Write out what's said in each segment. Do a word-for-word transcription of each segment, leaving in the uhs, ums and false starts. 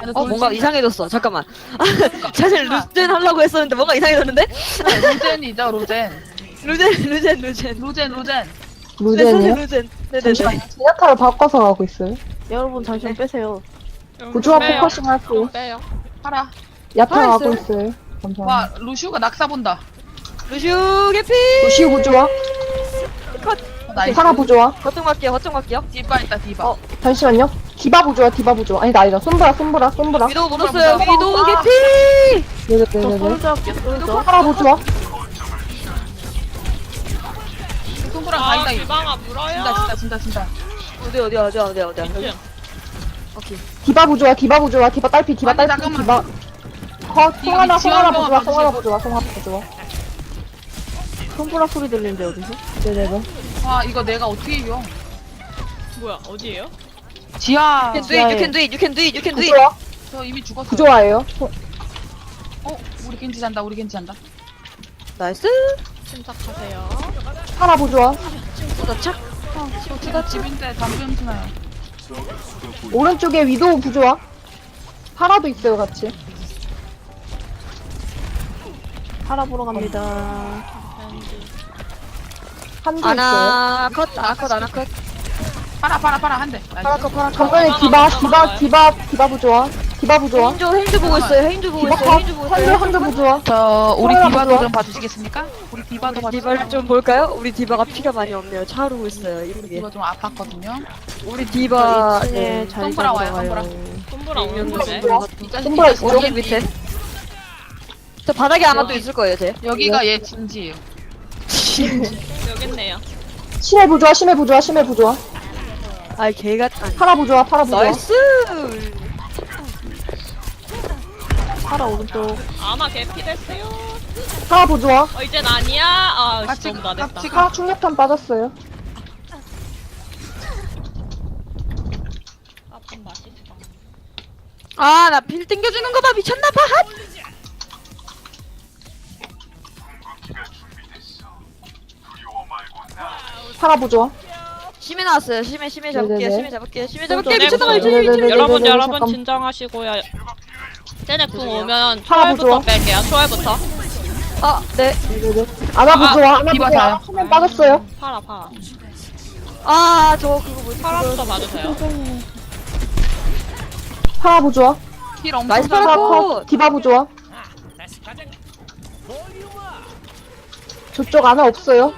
어 뭔가 이상해졌어. 잠깐만. 사실 루젠 하려고 했었는데 뭔가 이상해졌는데? 로젠이죠 로젠. 루젠 루젠 루젠. 로젠 로젠. 루젠이요? 루젠. 네네네. 잠시만요. 제냐타를 바꿔서 가고 있어요. 여러분 잠시만 빼세요. 부조화 빼요. 포커싱 할게요. 좀 빼요. 파라. 야타 아, 가고 있어요. 있어요. 감사합니다. 와 루슈가 낙사 본다. 루슈 개피. 루시우 부조화. 컷. 나이스. 파라 부조화. 거점 갈게요. 거점 갈게요. 디바 있다 디바. 어. 잠시만요. 디바 부조화, 디바 부조화. 아니다, 아니다. 솜브라, 솜브라, 솜브라. 위도우 물었어요. 보자. 위도우 아. 개피. 저 네네네네. 솔저 할게요. 솔저. 파라 부조화. 손보랑 아, 가이다. 기방아 물어요. 진다 진다 진다 진다. 어디 어디 어디 어디 어디. 여기. 이층. 오케이. 디바 부조화, 디바 부조화, 디바 딸피, 디바 아니, 딸피, 잠깐만. 디바. 컷, 이거 송하나, 지원 송하나 한번 부조화, 봐주세요. 송하나 부조화, 송하나 부조화. 손보라 소리 들리는데 어디서? 네네네. 와 이거 내가 어떻게 이겨? 뭐야 어디에요? 지하. You can do it. You can do it. You can do it. You can do it. 부조화, 저 이미 죽었어. 부조화예요. 소- 어 우리 겐지 잔다. 우리 겐지 잔다. 나이스. 침착하세요. 파라 부조화. 도착. 지금 집인데 담배 냄새나요. 오른쪽에 위도우 부조화. 파라도 있어요, 같이. 팔아 보러 갑니다. 한조 있어요. 아나 컷. 아나 컷. 아나 컷. 파라 파라 파라 한 대. 파라 컷. 파라 컷. 정면에 디바, 디바, 디바, 디바 부조화. 디바 부조화. 헤인조 헤인조 보고 있어요. 헤인조 보고 디바 있어요. 컷. 헤인조 보고 한조, 있어요. 한조 부조화. 저 우리 파라 디바도 부조화. 좀 봐주시겠습니까? 우리 디바도 우리 봐주세요. 디바를 좀 볼까요? 우리 디바가 피가 많이 없네요. 차오르고 있어요. 이쁘게. 디바 좀 아팠거든요. 우리 디바 이 층에 네. 자리 손보라 와요, 잡으러 가요. 손보라 네, 오는데. 이 자식 손보라 이 있어요? 오른쪽 밑에. 저 바닥에 아마 또 있을 거예요, 쟤. 여기가 얘 진지예요. 여기 있네요. 심해 부조화, 심해 부조화, 심해 부조화. 아이 개가 아니. 파라 부조화, 파라 부조화. 나이스. 팔아 오른쪽. 아마 개피 됐어요. 파라 부조화. 어 이젠 아니야. 아 같이 너무 나댔다. 같이 파라 충격탄 빠졌어요. 아픈 맛있어. 아, 나 빌 땡겨주는 거 봐. 미쳤나 봐. 핫! 파라 부조화. 심해 나왔어요. 심해 심해 잡을게요. 네네네. 심해 잡을게요. 심해 잡을게요. 네, 미쳤나 봐. 네, 미쳤나 봐. 네네네. 여러분 네네네, 여러분 잠깐. 진정하시고요. 쟤네 궁 오면 파라 초월부터 부조화. 뺄게요. 초월부터. 아, 네. 네네네. 아나 부조화, 아나 디바 부조화. 자요. 화면 빠졌어요. 파라 파라. 아, 저 그거 뭐지? 파라부터 봐주세요. 파라 부조화. 힐 엄청 나이스 잘 파라 파라 컷. 컷. 디바 부조화. 저쪽 아나 없어요.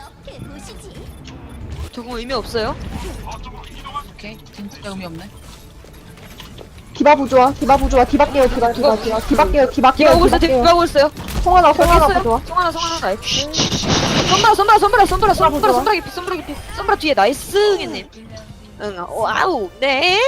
저거 의미 없어요? 오케이. 진짜 의미 없네. 디바 부조화, 디바 부조화, 디바 깨요, 디바, 디바, 디바, 디바 깨요, 디바 디바 깨요, 오고 있어요. 디바 깨요. 디바 오고 있어요. 송하나, 송하나 됐어요. 부조화. 송하나 송하나 나이스. 손브라 손브라 손브라 손브라 손브라 손브라 깊이 손브라 깊이 손브라 뒤에 나이스 형님. 응. 와우. 네.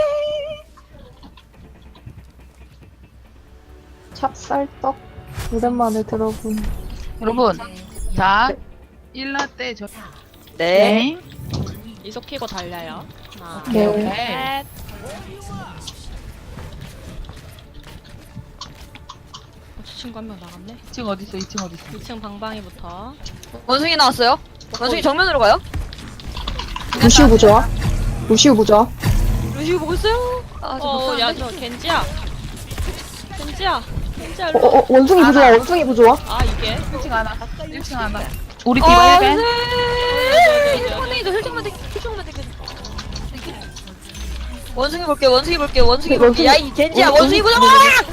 찹쌀떡. 오랜만에 들어본. 여러분, 자 일라 때 저. 네. 이속 키고 달려요. 하나, 네. 오케이. 셋. 어, 저 친구 한 명 나갔네. 이 층 어디 있어? 이 층 어디 있어? 이 층 방방이부터. 원숭이 나왔어요. 원숭이 정면으로 가요. 루시우 부조화. 루시우 부조화. 루시우 보고 있어요. 아, 저 어, 야, 박사인데? 저 겐지야. 겐지야. 겐지야, 어, 일로. 어, 어, 원숭이 부조화, 원숭이 부조화. 아, 이게. 일 층 하나. 일 층 하나. 우리 아, 디바 일 배. 네. 힐링도 힐링만 되 힐링만 되 원숭이 볼게. 원숭이 볼게. 원숭이 볼게. 원숭이- 야, 이 겐지야. 원- 원숭이 보자.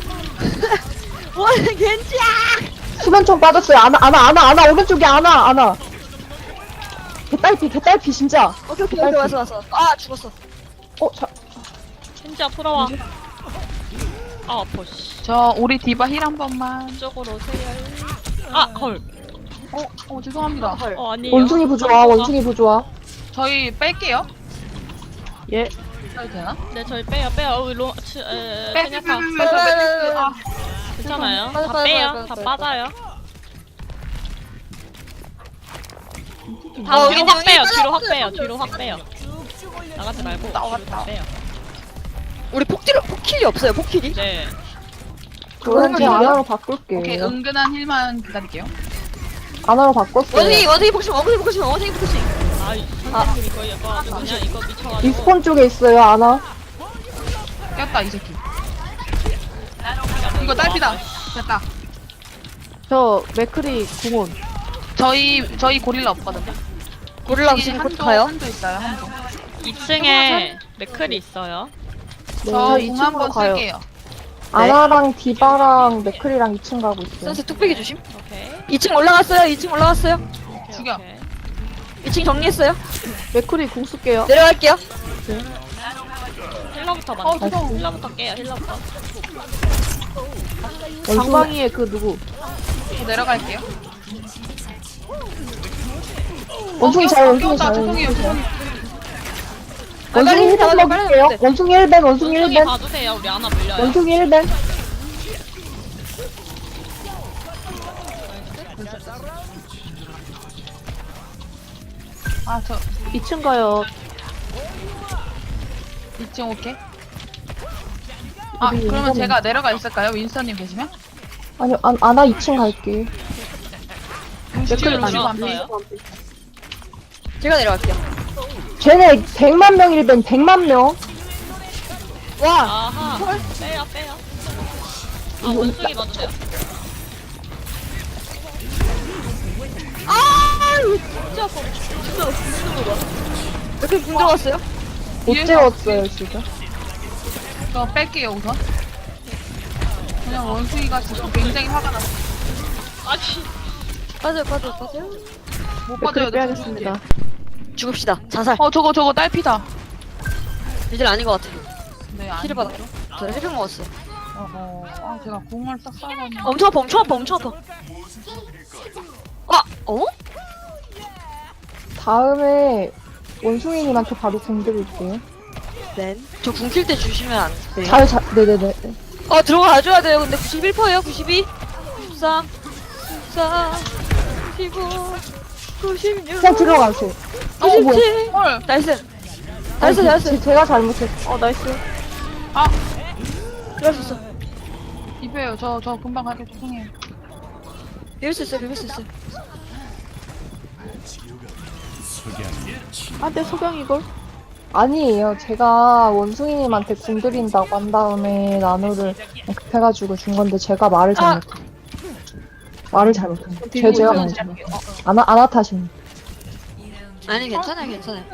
원 겐지야. 수면총 빠졌어요. 아나, 아나, 아나, 아나, 오른쪽에 아나, 아나. 개딸피, 개딸피, 진짜. 오케이 오케이 오케이 왔어 왔어. 아, 죽었어. 어, 자, 겐지야, 풀어와. 아, 아파, 씨. 저 우리 디바 힐 한 번만. 이쪽으로 오세요. 아, 헐. 어, 어 죄송합니다. 헐. 어, 아니에요. 원숭이 부조화, 원숭이 부조화. 저희 뺄게요. 예. 해도 되나? 네, 저희 빼요, 빼요. 어, 로, 치, 에, 빼, 페냐타. 빼, 빼, 빼, 빼, 빼, 빼. 아, 괜찮아요. 빠져, 다 빠져, 빼요. 빠져, 다 빠져. 빠져요. 어, 다 뒤로 여기, 확 여기 빼요. 빠져, 뒤로 확 빠져, 빼요. 빠져. 뒤로 확 빼요. 나가지 말고 뒤로 다 빼요. 우리 폭딜 폭킬이 없어요. 폭킬이. 네. 그럼 제가 아나로 바꿀게요. 오케이 은근한 힐만 기다릴게요. 아나로 바꿨어요. 원숭이 원숭이 폭신 원숭이 폭신 원숭이 폭신. 아, 이 선생님 이거 이거 아주 그냥 이거 미쳐가지고. 리스폰 쪽에 있어요, 아나. 꼈다 이 새끼. 이거 딸피다. 됐다. 저 맥크리 궁원. 저희 저희 고릴라 없거든요. 고릴라 이쪽에 지금 곧 한조, 가요. 한조 있어요. 한조. 이 층에 맥클이 있어요. 네, 저 저 공 이 층으로 한번 가요. 쓸게요. 아나랑 디바랑 맥클이랑 이 층 가고 있어요. 선생 뚝배기 조심. 오케이. 이 층 올라갔어요. 이 층 올라갔어요. 오케이, 죽여. 오케이. 이 층 정리했어요. 맥크리 궁 쓸게요. 내려갈게요. 힐러부터 어, 먼저. 뜨거워. 힐러부터 깨요. 힐러부터. 장방이의 그 누구? 저 내려갈게요. 원숭이 어, 잘, 어, 원숭이 다 잘. 죄송해요. 원숭이 잘. 죄송해요. 빨리 원숭이 힐 빨리 벤 빨리 먹을게요. 빨리 원숭이 일 벤, 원숭이 일 원숭이 벤. 봐주세요. 우리 하나 물려요. 원숭이 일 벤. 아, 저 이 층 가요. 이 층 오케이. 아, 우리 그러면 윈스턴. 제가 내려가 있을까요? 윈스턴님 계시면? 아니요, 아, 아나 이 층 갈게. 맥클 루시오 루시오 안 왔어요. 돼. 제가 내려갈게요. 쟤네 백만 명 일 벤, 백만 명. 와. 아하. 빼요, 빼요. 아, 원숭이 봐주세요. 아, 이거 진짜 아파. 진짜 진짜 이렇게 궁 들어갔어요? 못 뒤에서 재웠어요, 지금. 저 뺄게요, 우선. 그냥 원숭이가 지금 굉장히 화가 났어. 아니. 빠져요, 빠져요, 빠져요. 못 맥크리 빠져요. 빼야겠습니다. 죽읍시다. 자살. 어, 저거 저거 딸피다. 이제 아닌 것 같아. 네, 아니. 힐을 받았죠. 저 힐팩 먹었어. 어허. 아, 제가 공을 싹 쏴가지고. 엄청 아파, 엄청 아파, 엄청 아파. 아, 어? 다음에 원숭이님한테 바로 공 드릴게요. 네. 저 궁킬 때 주시면 안 돼요? 잘, 잘, 네네네. 어, 들어가줘야 돼요. 근데 구십일 퍼센트예요. 구십이, 구십삼, 구십사, 구십오, 구십육, 그냥 들어가세요. 어, 뭐야. 구십칠. 헐. 나이스. 나이스, 나이스. 제- 제가 잘못했어. 어 나이스. 아, 그럴 수 있어. 이배요. 저, 저 금방 갈게. 죄송해요. 이럴 수 있어, 이럴 수 있어. 아내 소경 이걸. 아니에요. 제가 원숭이님한테 공 드린다고 한 다음에 나노를 급해가지고 준 건데 제가 말을 잘못. 말을 잘못한 거. 제 제가 말을 잘못. 아나 아나 탓입니다. 아니, 괜찮아요, 괜찮아요.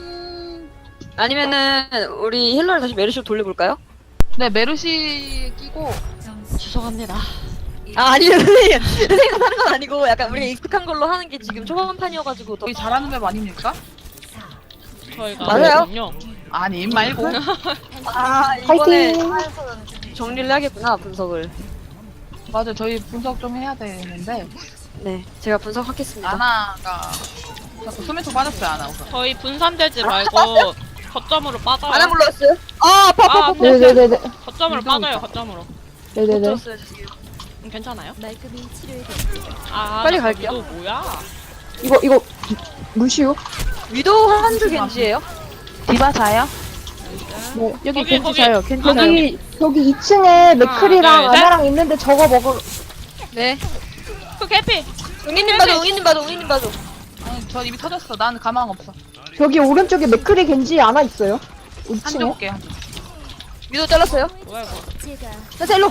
아니면은, 우리 힐러를 다시 메르시로 돌려볼까요? 네, 메르시 끼고. 죄송합니다. 아, 아니요, 선생님. 선생님 하는 건 아니고, 약간 우리가 익숙한 걸로 하는 게 지금 초반판이어가지고 더. 저희 잘하는 맵 아닙니까? 저희가. 맞아요. 그렇군요. 아님 말고. 아, 이번에 파이팅! 정리를 해야겠구나, 분석을. 맞아, 저희 분석 좀 해야 되는데. 네, 제가 분석하겠습니다. 아나가. 자꾸 소매토 빠졌어요, 아나 우선. 저희 분산되지 말고 거점으로 빠져요. 안 불렀어요? 아, 아파, 아파, 아, 아파. 네네네네. 거점으로 빠져요. 거점으로. 네네네. 들었어요, 죄송해요. 음, 괜찮아요? 아, 빨리 나 갈게요. 또 뭐야? 이거 이거 루시오? 위도 한줄 겐지예요? 디바 자요? 네. 여기 거기, 겐지 거기. 자요. 겐지 아, 자요. 여기 여기 이 층에 맥클이랑 둘, 셋. 아나랑 있는데 저거 먹을. 네. 그 개피. 웅이님 봐줘, 웅이님 봐줘, 웅이님 봐줘. 아니, 저 입이 터졌어. 난 가망 없어. 여기 오른쪽에 맥클이 겐지 아나 있어요. 이 한쪽 층에. 볼게, 한쪽. 위도 잘랐어요? 뭐야 이거? 자, 일로.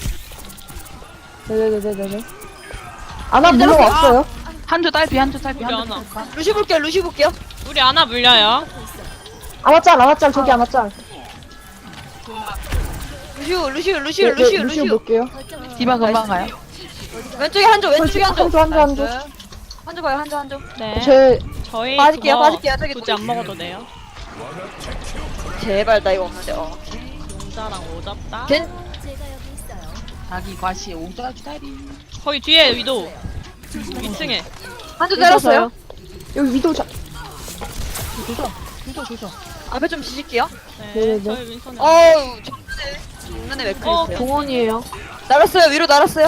네네네네네. 아나 물론 없어요. 한조 딸피, 한조 딸피, 우리 한조 하나. 딸피. 루시 볼게요, 루시 볼게요. 우리 아나 물려요. 아나짤 아나짤 저기 아나짤. 루시오, 루시오, 네, 루시오, 네, 루시오, 루시오 루시오. 볼게요. 디바 금방 가요. 왼쪽에 한조, 왼쪽에 한조. 한조 한조 한조. 나이스. 한조 봐요, 한조, 한조. 네. 제 저희 빠질게요, 그거 빠질게요. 저기 굳이 안 먹어도 돼요. 제발 나 이거 없는데. 어. 용자랑 오잡다. 겐 자기 과시 오자 주다리. 거기 뒤에 위도. 이 층에. 한조 잘랐어요. 여기 위도 자. 조져, 조져, 조져. 앞에 좀 지질게요. 네. 네네네. 저희 윈선에. 어우, 정면에 정면에 맥클 어, 있어요. 공원이에요. 날았어요, 위로 날았어요.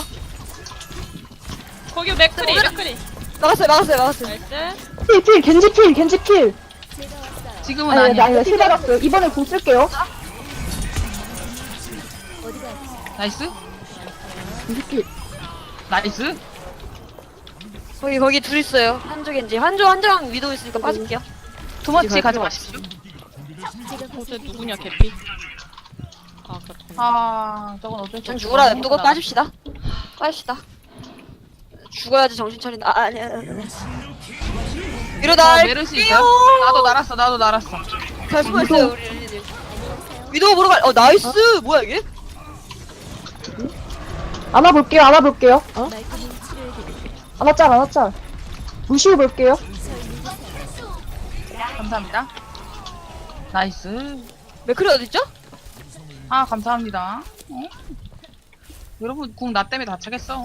거기 맥크리 맥크리. 막았어요, 막았어요, 막았어요. 나이스. 필, 필, 겐지 필, 겐지 필. 지금은 아니, 아니, 아니야. 아니, 힐 받았어요. 이번에 공 쓸게요. 나이스? 겐지 필. 나이스? 거기 거기 둘 있어요. 한조 겐지. 한조 한조랑 위도 있으니까 빠질게요. 도마치 갈게요. 가져가십시오. 어제 누구냐 개피? 아 그렇구나. 아 저건 어쩔 수 전 없어. 죽으라 냅두고 빠집시다. 빠집시다. 죽어야지 정신 차린다. 아, 아니야. 이러다 어, 메르시 있어요? 나도 날았어 나도 날았어. 잘 숨어있어요 우리 릴리님. 위도우 보러 갈. 어 나이스. 뭐야 이게? 안아볼게요, 안아볼게요. 어? 안아짤, 안아짤. 무시해볼게요. 감사합니다. 나이스. 맥클이 어딨죠? 아 감사합니다. 어? 여러분 궁 나 때문에 다차겠어.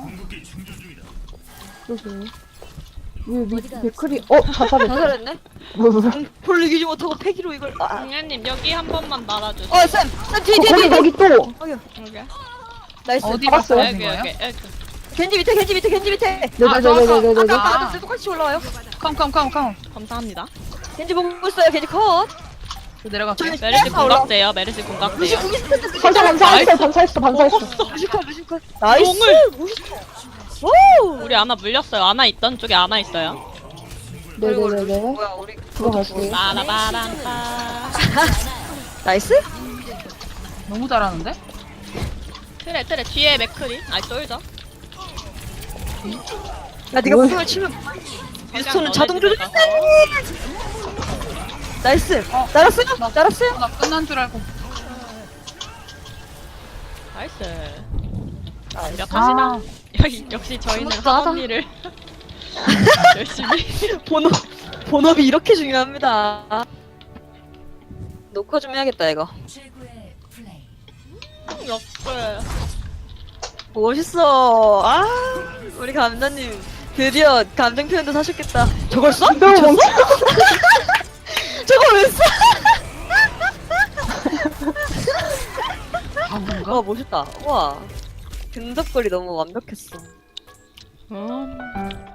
그러게. 왜, 왜, 맥클이, 어, 자살했다. 자살했네. 뭐, 뭐, 뭐. 볼을 이기지 못하고 패기로 이걸. 아. 공연님 여기 한 번만 말아주세요. 어 쌤. 쌤 뒤에 거, 뒤에 거기, 뒤에. 거기 또. 여기 나이스. 어디 잡았어요? 봤어요 여기 거예요? 여기 여기. 겐지 밑에 겐지 밑에 겐지 밑에. 네네네네네네. 아까 아. 아까 똑같이 올라와요. 컴컴컴컴. 감사합니다. 겐지 보고 있어요. 겐지 컷. 저 내려갈게요. 메르시 아, 올라와. 공각돼요. 메르시 공각돼요. 반사, 반사했어, 반사했어, 반사했어. 무시컷 무시컷. 나이스. 멋있어. 오. 우리 아나 물렸어요. 아나 있던 쪽에 아나 있어요. 그리고 네네네네. 뭐야 우리 들어갈게요. 빠라바람빠. 나이스? 너무 잘하는데? 트레 트레 뒤에 맥크리. 아이 쏠죠. 야 네가 뭘. 공을 치면 미스톤은 너네 자동 집에 조절. 가서. 나이스. 어. 날았어요? 나- 날았어요? 나 끝난 줄 알고. 나이스. 아. 완벽하시다. 여기 역시 저희는 스무스하다. 하던 일을 열심히. 본업 본업이 이렇게 중요합니다. 녹화 좀 해야겠다 이거. 역대. 멋있어. 아 우리 감독님 드디어 감정 표현도 사셨겠다. 저걸 써? 너무 미쳤어? 멈춰. 저걸 왜 써? 아 뭔가? 와 멋있다. 와 근접거리 너무 완벽했어. 음.